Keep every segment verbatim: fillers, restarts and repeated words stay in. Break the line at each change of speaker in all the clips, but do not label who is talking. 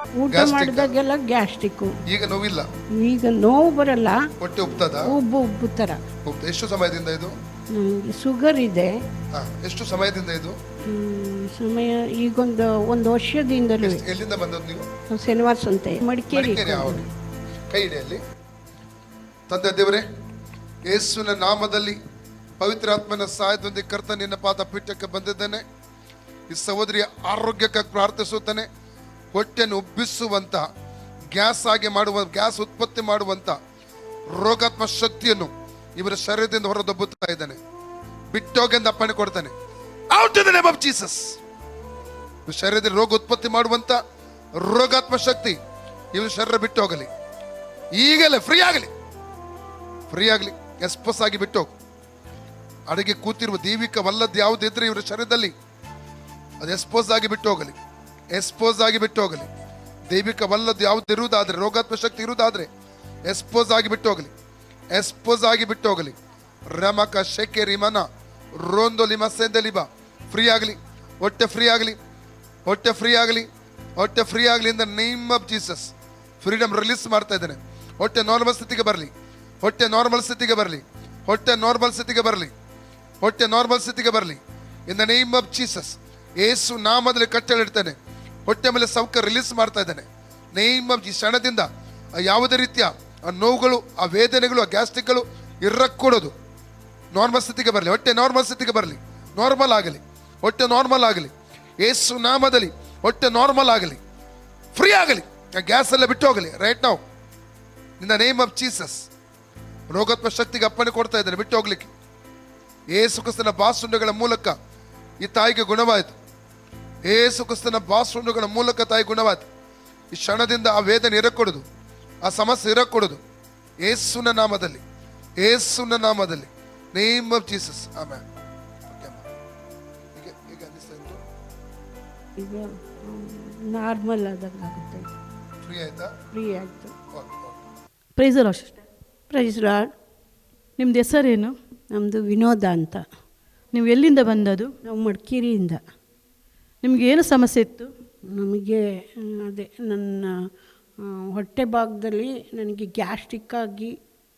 ಊಟ ಮಾಡಿದಾಗೆಲ್ಲ ಗ್ಯಾಸ್ಟ್ರಿಕ್ಕು.
ಈಗ ನೋವಿಲ್ಲ,
ಈಗ ನೋವು ಬರಲ್ಲ,
ಹೊಟ್ಟೆ ಉಬ್ತದ,
ಉಬ್ಬು ಉಬ್ಬು ಥರ.
ಎಷ್ಟು ಸಮಯದಿಂದ ಇದು?
ನನಗೆ ಶುಗರ್ ಇದೆ.
ಎಷ್ಟು ಸಮಯದಿಂದ ಇದು?
ಸಮಯ ಈಗೊಂದು ಒಂದು ವರ್ಷದಿಂದಲೂ.
ಎಲ್ಲಿಂದ ಬಂದದ್ದು ನೀವು?
ಶನಿವಾರ ಸಂತೆ, ಮಡಿಕೇರಿ.
ಕೈ ಹಿಡಿಯಲ್ಲಿ. ತಂದೆ ದೇವರೇ, ಯೇಸುವಿನ ನಾಮದಲ್ಲಿ ಪವಿತ್ರಾತ್ಮನ ಸಹಾಯದೊಂದಿಗೆ ಕರ್ತ ನಿನ್ನ ಪಾದ ಪೀಠಕ್ಕೆ ಬಂದಿದ್ದೇನೆ. ಈ ಸಹೋದರಿಯ ಆರೋಗ್ಯಕ್ಕಾಗಿ ಪ್ರಾರ್ಥಿಸುತ್ತಾನೆ. ಹೊಟ್ಟೆಯನ್ನು ಉಬ್ಬಿಸುವಂತ, ಗ್ಯಾಸ್ ಆಗಿ ಮಾಡುವ, ಗ್ಯಾಸ್ ಉತ್ಪತ್ತಿ ಮಾಡುವಂತ ರೋಗಾತ್ಮ ಶಕ್ತಿಯನ್ನು ಇವರ ಶರೀರದಿಂದ ಹೊರದಬ್ಬುತ್ತಾ ಇದ್ದಾನೆ. ಬಿಟ್ಟೋಗೆಂದು ಅಪ್ಪಣೆ ಕೊಡ್ತಾನೆ. Out in the name of Jesus. ಶರೀರದಲ್ಲಿ ರೋಗ ಉತ್ಪತ್ತಿ ಮಾಡುವಂತ ರೋಗಾತ್ಮ ಶಕ್ತಿ ಇವರ ಶರೀರ ಬಿಟ್ಟು ಹೋಗಲಿ. ಈಗಲೇ ಫ್ರೀ ಆಗಲಿ, ಫ್ರೀ ಆಗಲಿ. ಎಸ್ಪಸ್ ಆಗಿ ಬಿಟ್ಟು ಹೋಗು. ಅಡುಗೆ ಕೂತಿರುವ ದೈವಿಕವಲ್ಲದ್ದು ಯಾವುದಿದ್ರೆ ಇವರ ಶರೀರದಲ್ಲಿ ಅದು ಎಸ್ಪೋಸ್ ಆಗಿ ಬಿಟ್ಟು ಹೋಗಲಿ, ಎಸ್ಪೋಸ್ ಆಗಿ ಬಿಟ್ಟು ಹೋಗಲಿ. ದೈವಿಕವಲ್ಲದ್ದು ಯಾವುದು ಇರುವುದಾದ್ರೆ, ರೋಗಾತ್ಮ ಶಕ್ತಿ ಇರುವುದಾದ್ರೆ ಎಸ್ಪೋಸ್ ಆಗಿ ಬಿಟ್ಟು ಹೋಗಲಿ, ಎಸ್ಪೋಸ್ ಆಗಿ ಬಿಟ್ಟು ಹೋಗಲಿ. ರಮಕ ಶೆಕೆ ರಿಮನ ರೋಂದೋ ಲಿಮ ಸೆಂದೆ ಲಿಬಾ. ಫ್ರೀ ಆಗಲಿ, ಹೊಟ್ಟೆ ಫ್ರೀ ಆಗಲಿ, ಹೊಟ್ಟೆ ಫ್ರೀ ಆಗಲಿ, ಹೊಟ್ಟೆ ಫ್ರೀ ಆಗಲಿ. In the name of Jesus freedom release ಮಾಡ್ತಾ ಇದ್ದೇನೆ. ಹೊಟ್ಟೆ ನಾರ್ಮಲ್ ಸ್ಥಿತಿಗೆ ಬರಲಿ, ಹೊಟ್ಟೆ ನಾರ್ಮಲ್ ಸ್ಥಿತಿಗೆ ಬರಲಿ, ಹೊಟ್ಟೆ ನಾರ್ಮಲ್ ಸ್ಥಿತಿಗೆ ಬರಲಿ, ಹೊಟ್ಟೆ ನಾರ್ಮಲ್ ಸ್ಥಿತಿಗೆ ಬರಲಿ. In the name of Jesus Yesu ನಾಮದಲ್ಲಿ ಕಟ್ಟಳಿಡ್ತೇನೆ. ಹೊಟ್ಟೆ ಮೇಲೆ ಸೌಖ್ಯ ರಿಲೀಸ್ ಮಾಡ್ತಾ ಇದ್ದೇನೆ. ನೇಮ್ ಆಫ್ ಈ ಕ್ಷಣದಿಂದ ಯಾವುದೇ ರೀತಿಯ ಆ ನೋವುಗಳು, ಆ ವೇದನೆಗಳು, ಆ ಗ್ಯಾಸ್ಟ್ರಿಕ್ಗಳು ಇರಕ್ಕೂಡದು. ನಾರ್ಮಲ್ ಸ್ಥಿತಿಗೆ ಬರಲಿ, ಹೊಟ್ಟೆ ನಾರ್ಮಲ್ ಸ್ಥಿತಿಗೆ ಬರಲಿ, ನಾರ್ಮಲ್ ಆಗಲಿ, ಹೊಟ್ಟೆ ನಾರ್ಮಲ್ ಆಗಲಿ. ಯೇಸು ನಾಮದಲ್ಲಿ ಹೊಟ್ಟೆ ನಾರ್ಮಲ್ ಆಗಲಿ, ಫ್ರೀ ಆಗಲಿ, ಗ್ಯಾಸ್ ಎಲ್ಲ ಬಿಟ್ಟು ಹೋಗಲಿ. ರೈಟ್ ನಾವು in the name of Jesus ರೋಗಾತ್ಮ ಶಕ್ತಿಗೆ ಅಪ್ಪಣೆ ಕೊಡ್ತಾ ಇದ್ದೇನೆ ಬಿಟ್ಟು ಹೋಗ್ಲಿಕ್ಕೆ. ಯೇಸು ಕ್ರಿಸ್ತನ ಬಾಸುಂಡಗಳ ಮೂಲಕ ಈ ತಾಯಿಗೆ ಗುಣವಾಯಿತು. ಯೇಸು ಕ್ರಿಸ್ತನ ಬಾಸುಂಡಗಳ ಮೂಲಕ ತಾಯಿ ಗುಣವಾಯಿತು. ಈ ಕ್ಷಣದಿಂದ ಆ ವೇದನೆ ಇರಕೊಡುದು, ಆ ಸಮಸ್ಯೆ ಇರಕೊಡುದು. ಯೇಸುವಿನ ನಾಮದಲ್ಲಿ, ಯೇಸುವಿನ ನಾಮದಲ್ಲಿ, ನೇಮ್ ಆಫ್ ಜೀಸಸ್. ಆಮೇಲೆ ಈಗ ಅನಿಸ್ತಾ ಉಂಟು?
ಈಗ ನಾರ್ಮಲ್ ಆದಂಗೆ ಆಗುತ್ತೆ.
ಫ್ರೀ ಆಯ್ತಾ?
ಫ್ರೀ ಆಯಿತು.
Praise lord sister.
Praise lord.
ನಿಮ್ದು ಹೆಸರೇನು?
ನಮ್ಮದು ವಿನೋದ ಅಂತ.
ನೀವು ಎಲ್ಲಿಂದ ಬಂದದು?
ನಾವು ಮಡಿಕೇರಿಯಿಂದ.
ನಿಮ್ಗೆ ಏನು ಸಮಸ್ಯೆ ಇತ್ತು?
ನಮಗೆ ಅದೇ ನನ್ನ ಹೊಟ್ಟೆ ಭಾಗದಲ್ಲಿ ನನಗೆ ಗ್ಯಾಸ್ಟ್ರಿಕ್ ಆಗಿ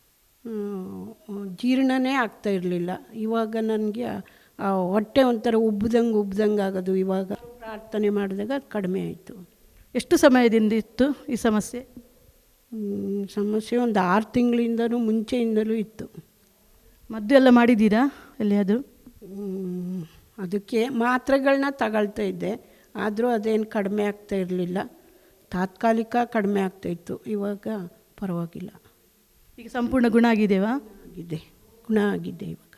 ಜೀರ್ಣನೇ ಆಗ್ತಾ ಇರಲಿಲ್ಲ. ಇವಾಗ ನನಗೆ ಆ ಹೊಟ್ಟೆ ಒಂಥರ ಉಬ್ಬ್ದಂಗೆ ಉಬ್ಬ್ದಂಗೆ ಆಗೋದು. ಇವಾಗ ಪ್ರಾರ್ಥನೆ ಮಾಡಿದಾಗ ಕಡಿಮೆ ಆಯಿತು.
ಎಷ್ಟು ಸಮಯದಿಂದ ಇತ್ತು ಈ ಸಮಸ್ಯೆ?
ಸಮಸ್ಯೆ ಒಂದು ಆರು ತಿಂಗಳಿಂದಲೂ ಮುಂಚೆಯಿಂದಲೂ ಇತ್ತು.
ಮದ್ದು ಎಲ್ಲ ಮಾಡಿದ್ದೀರಾ ಎಲ್ಲಿಯಾದರೂ?
ಅದಕ್ಕೆ ಮಾತ್ರೆಗಳನ್ನ ತಗೊಳ್ತಾ ಇದ್ದೆ, ಆದರೂ ಅದೇನು ಕಡಿಮೆ ಆಗ್ತಾ ಇರಲಿಲ್ಲ. ತಾತ್ಕಾಲಿಕ ಕಡಿಮೆ ಆಗ್ತಾಯಿತ್ತು, ಇವಾಗ ಪರವಾಗಿಲ್ಲ.
ಈಗ ಸಂಪೂರ್ಣ ಗುಣ ಆಗಿದೆವಾ?
ಆಗಿದೆ, ಗುಣ ಆಗಿದೆ ಇವಾಗ.